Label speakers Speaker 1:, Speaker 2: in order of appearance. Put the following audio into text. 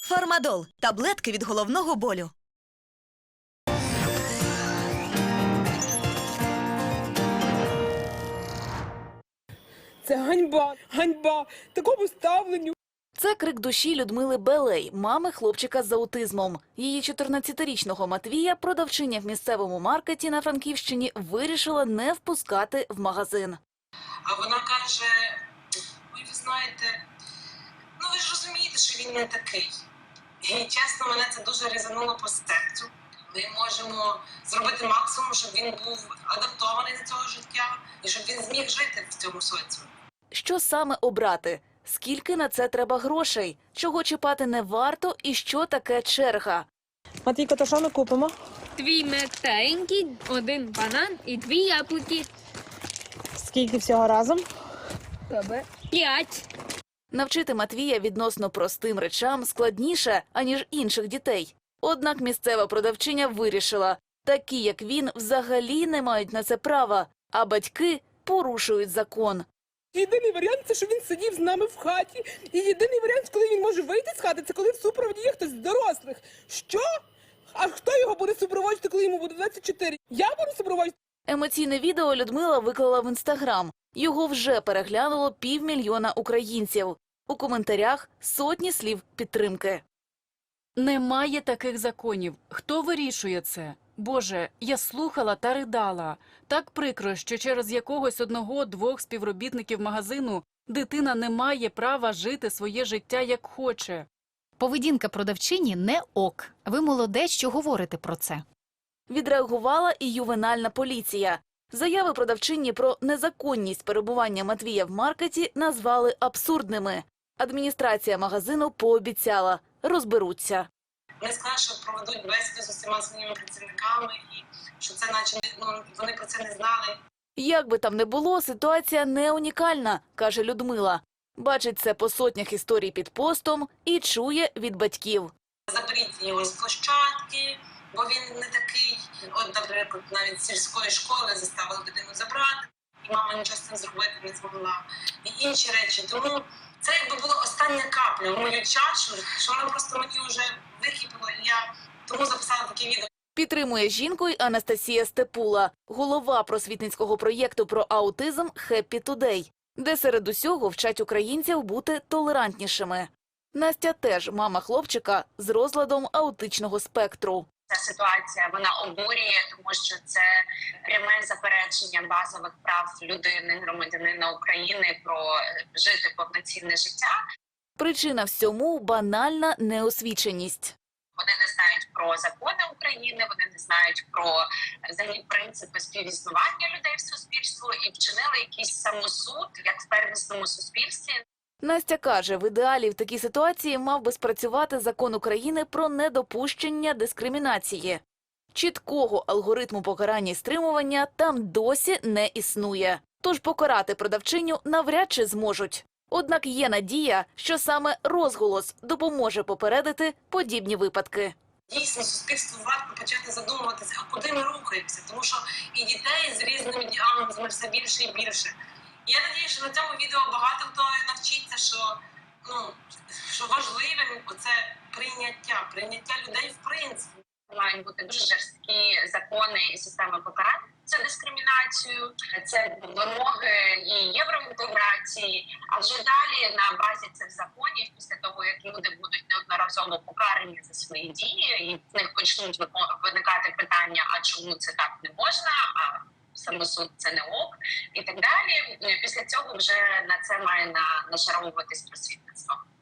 Speaker 1: Фармадол – таблетки від головного болю.
Speaker 2: Це ганьба, ганьба, такому ставленню.
Speaker 3: Це крик душі Людмили Белей, мами хлопчика з аутизмом. Її 14-річного Матвія продавчиня в місцевому маркеті на Франківщині вирішила не впускати в магазин.
Speaker 4: А вона каже: ой, ви знаєте, ви ж розумієте, що він не такий. І чесно, мене це дуже різануло по серцю. Ми можемо зробити максимум, щоб він був адаптований до цього життя і щоб він зміг жити в цьому соціумі.
Speaker 3: Що саме обрати? Скільки на це треба грошей? Чого чіпати не варто і що таке черга?
Speaker 2: Матвійко, то що ми купимо?
Speaker 5: 2 нектаринки, 1 банан і 2 яблуки.
Speaker 2: Скільки всього разом?
Speaker 5: 5.
Speaker 3: Навчити Матвія відносно простим речам складніше, аніж інших дітей. Однак місцева продавчиня вирішила, такі як він взагалі не мають на це права, а батьки порушують закон.
Speaker 2: Єдиний варіант – це, що він сидів з нами в хаті. І єдиний варіант, коли він може вийти з хати, це коли в супроводі є хтось з дорослих. Що? А хто його буде супроводжувати, коли йому буде 24? Я буду супроводжувати?
Speaker 3: Емоційне відео Людмила виклала в Інстаграм. Його вже переглянуло 500 000 українців. У коментарях сотні слів підтримки.
Speaker 6: Немає таких законів. Хто вирішує це? Боже, я слухала та ридала. Так прикро, що через якогось 1-2 співробітників магазину дитина не має права жити своє життя як хоче.
Speaker 7: Поведінка продавчині не ок. Ви молодець, що говорите про це.
Speaker 3: Відреагувала і ювенальна поліція. Заяви продавчині про незаконність перебування Матвія в маркеті назвали абсурдними. Адміністрація магазину пообіцяла – розберуться.
Speaker 4: Вони сказали, що проведуть бесіду з усіма своїми працівниками і що це наче вони про це не знали.
Speaker 3: Як би там не було, ситуація не унікальна, каже Людмила. Бачить це по сотнях історій під постом і чує від батьків.
Speaker 4: Заберіть його з площадки, бо він не такий. От, наприклад, навіть з сільської школи заставили дитину забрати, і мама нічого з цим зробити не змогла. І інші речі. Тому це якби була остання капля в мою чашу, що вона просто мені вже википіла, і я тому записала таке відео.
Speaker 3: Підтримує жінку й Анастасія Степула, голова просвітницького проєкту про аутизм «Happy Today», де серед усього вчать українців бути толерантнішими. Настя теж мама хлопчика з розладом аутичного спектру.
Speaker 8: Ця ситуація, вона обурює, тому що це пряме заперечення базових прав людини, громадянина України про жити повноцінне життя.
Speaker 3: Причина всьому – банальна неосвіченість.
Speaker 8: Вони не знають про закони України, вони не знають про взагалі принципи співіснування людей в суспільстві і вчинили якийсь самосуд, як в первісному суспільстві.
Speaker 3: Настя каже, в ідеалі в такій ситуації мав би спрацювати закон України про недопущення дискримінації. Чіткого алгоритму покарання і стримування там досі не існує. Тож покарати продавчиню навряд чи зможуть. Однак є надія, що саме розголос допоможе попередити подібні випадки.
Speaker 4: Дійсно, суспільству варто почати задумуватися, а куди ми рухаємося, тому що і дітей з різними діагнозами все більше і більше. Я надію, що на цьому відео багато хто навчиться, що важливим оце прийняття людей в принципі.
Speaker 8: Мають бути дуже жорсткі закони і системи покарання за дискримінацію, це вимоги і євроінтеграції, а вже далі на базі цих законів, після того, як люди будуть неодноразово покарані за свої дії, і в них почнуть виникати питання, а чому це так не можна, а самосуд це не ок, і так далі. Після цього вже на це має нашаровуватись просвітництво.